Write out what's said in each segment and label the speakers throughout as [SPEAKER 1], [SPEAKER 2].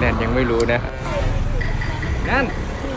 [SPEAKER 1] นนยังไม่รู้นะนั่น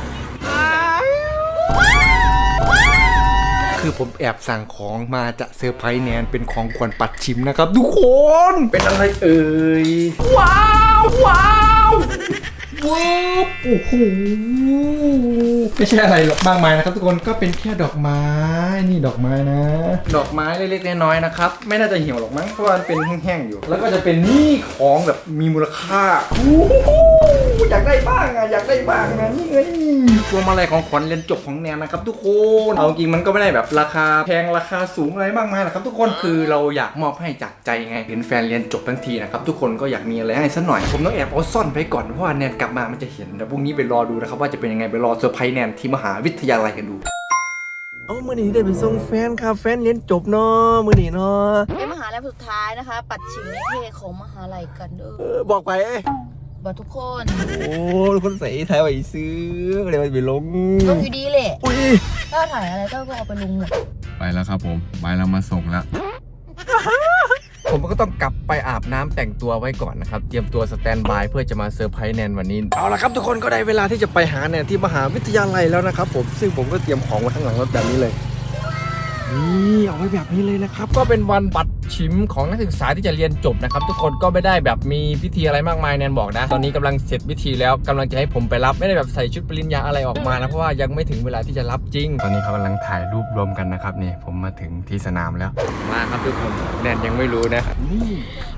[SPEAKER 1] คือผมแอบสั่งของมาจะเซอร์ไพรส์แนนเป็นของขวัญปัดชิมนะครับทุกคนเป็นอะไรเอ่ยว้าวว้าวว้าวโอ้โหไม่ใช่อะไรหรอกมากมายนะครับทุกคนก็เป็นแค่ดอกไม้นี่ดอกไม้นะดอกไม้เล็กๆน้อยๆนะครับไม่น่าจะเหี่ยวหรอกมั้งเพราะว่ามันเป็นแห้งๆอยู่แล้วก็จะเป็นนี่ของแบบมีมูลค่าอยากได้บ้างอะอยากได้บ้างนะนี่ไงพวงมาลัยของขวัญเรียนจบของแนนนะครับทุกคนเอาจริงมันก็ไม่ได้แบบราคาแพงราคาสูงอะไรมากมายหรอกครับทุกคนคือเราอยากมอบให้จากใจไงเห็นแฟนเรียนจบทั้งทีนะครับทุกคนก็อยากมีอะไรให้สักหน่อยผมต้องแอบเอาซ่อนไปก่อนเพราะว่าแนนกลับมามันจะเห็นแต่พรุ่งนี้ไปรอดูนะครับว่าจะเป็นยังไงไปรอเซอร์ไพรส์แนนที่มหาวิทยาลัยกันดู
[SPEAKER 2] เอามื่อนี้ได้ไปส่งแฟนครับแฟนเรียนจบเนาะมื่อนี้เนาะ
[SPEAKER 3] เป็นมหาลัยสุดท้ายนะคะ ปัดชิมนิเทศของมหาลัยกันเด้อ
[SPEAKER 2] บอกไป
[SPEAKER 3] บอกทุกคน
[SPEAKER 2] โอ้ทุกคนใส่ไทยไว้ซื้อก็เลยไปลง
[SPEAKER 3] ลงอยู่ดีแหละ
[SPEAKER 2] อุ้ย
[SPEAKER 3] ถ้าถ่ายอะไรก็เอาไปลงหมด
[SPEAKER 1] ไปแล้วครับผมไปแล้วมาส่งแล้วผมก็ต้องกลับไปอาบน้ำแต่งตัวไว้ก่อนนะครับเตรียมตัวสแตนบายเพื่อจะมาเซอร์ไพรส์แนนวันนี้เอาละครับทุกคนก็ได้เวลาที่จะไปหาแนนที่มหาวิทยาลัยแล้วนะครับผมซึ่งผมก็เตรียมของไว้ข้างหลังรถแบบนี้เลยนี่เอาไว้แบบนี้เลยนะครับก็เป็นวันปัดชิมของนักศึกษาที่จะเรียนจบนะครับทุกคนก็ไม่ได้แบบมีพิธีอะไรมากมายแนนบอกนะตอนนี้กำลังเสร็จพิธีแล้วกำลังจะให้ผมไปรับไม่ได้แบบใส่ชุดปริญญาอะไรออกมานะเพราะว่ายังไม่ถึงเวลาที่จะรับจริงตอนนี้เขากำลังถ่ายรูปรวมกันนะครับนี่ผมมาถึงที่สนามแล้วมาครับทุกคนแนนยังไม่รู้นะนี่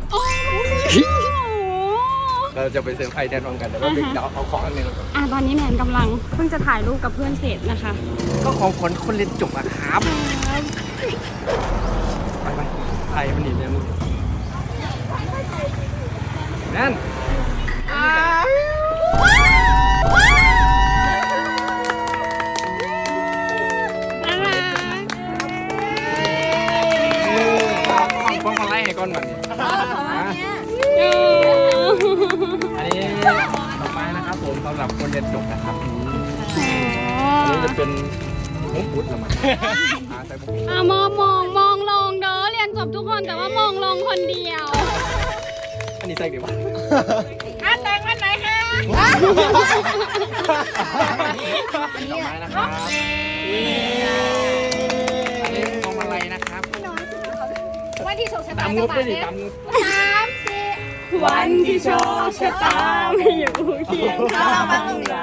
[SPEAKER 1] เราจะไปเซอร์ไพรส์แนนพร้อมกันแต่ว่าเดี๋ยวเอาของอันนึง
[SPEAKER 4] ตอนนี้แนนกำลังเพิ่งจะถ่ายรูปกับเพื่อนเสร็จนะคะ
[SPEAKER 1] ก็ของคนเรียนจบอะครับไปไทยมันหนีเนี่ยมึงนั่นพวงมาลัยให้ก่อนมันอันนี้ดอกไม้นะครับผมสำหรับคนเรียนจบนะครับอันนี้จะเป็นมุกบุตรละมั้ง
[SPEAKER 4] มองลงเด้อเรียนจบทุกคนแต่ว่ามองลงคนเดียว
[SPEAKER 1] อันนี้ใส่ดีป่ะ
[SPEAKER 4] แต่งวันไหนคะ
[SPEAKER 1] ดอกไม้นะครับอันนี้พวงมาลัยนะครับ
[SPEAKER 4] วันที่โชคชะตา
[SPEAKER 1] ตามงบไปดิตามงบ
[SPEAKER 4] วันที่โชคชะตาไม่อยู่เคียงข้างเรา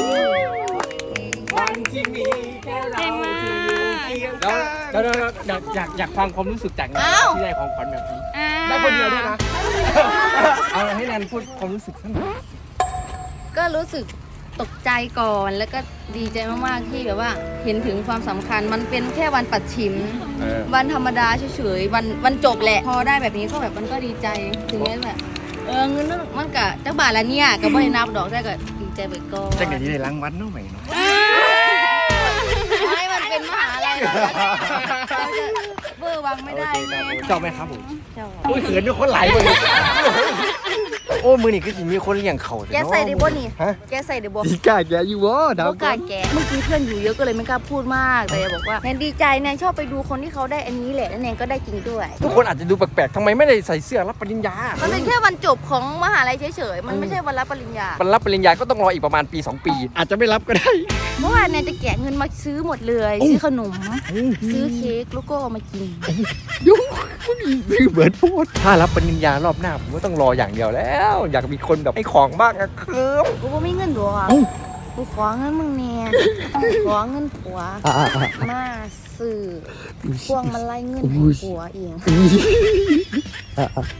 [SPEAKER 1] วันที่มีแค่เราที่อยู่เคียงข้างแล้วอยากฟังความรู้สึกจากงานที่ได้ของขวัญแบบนี้ได้คนเดียวด้วยนะเอาให้แนนพูดความรู้สึกสักหน่อย
[SPEAKER 3] ก็รู้สึกตกใจก่อนแล้วก็ดีใจมากๆที่แบบว่าเห็นถึงความสำคัญมันเป็นแค่วันปัดชิมวันธรรมดาเฉยๆวันจบแหละพอได้แบบนี้ก็แบบมันก็ดีใจถึงแม้แบบเงินมันกะจักบาทละเนี่ยก็ไม่ได้นับดอกได้ก็ดีใจไปก่อน
[SPEAKER 1] จักเดี๋ยวนี้ได้รางวัลน้องใหม่เนาะ
[SPEAKER 3] ไม่มันเป็นมหาลัยเราจะเบอร์วังไม่ได้ไง
[SPEAKER 1] ชอบไหมครับผมโอ้ยเขินด้วยคนไหลเลยโอ้มือนี่คือสิมีคนเลี้ยงเขา
[SPEAKER 3] แกใส่ดิบนี่แกใส่ดิบ
[SPEAKER 1] ดีกาแกอยู่วะดาว
[SPEAKER 3] กาแกเมื่อกี้เพื่อนอยู่เยอะก็เลยไม่กล้าพูดมากแต่บอกว่าแนนดีใจแนนชอบไปดูคนที่เขาได้อันนี้แหละแล้วแนนก็ได้จริงด้วย
[SPEAKER 1] ทุกคนอาจจะดูแปลกๆทำไมไม่ได้ใส่เสื้อรับปริญญา
[SPEAKER 3] มันเป็นแค่วันจบของมหาลัยเฉยๆมันไม่ใช่วันรับปริญญา
[SPEAKER 1] วันรับปริญญาก็ต้องรออีกประมาณปี2ปีอาจจะไม่รับก็ได้
[SPEAKER 3] เมื่อวานแนนจะแกะเงินมาซื้อหมดเลยซื้อขนมซื้อเค้กแล้วก็มากิน
[SPEAKER 1] ยุ่งซื้อเหมือนพูดถ้ารับปริญญารอบหน้าผมก็ต้องรออย่างเดียวแล้วอยากมีคนแบบให้ของบ้างอะครับ
[SPEAKER 3] กูไม่เงินด้วยกูขอเงินมึงเนี่ยขอเงินผัวมาซื้อพวงมาลัยเงินผัวเอง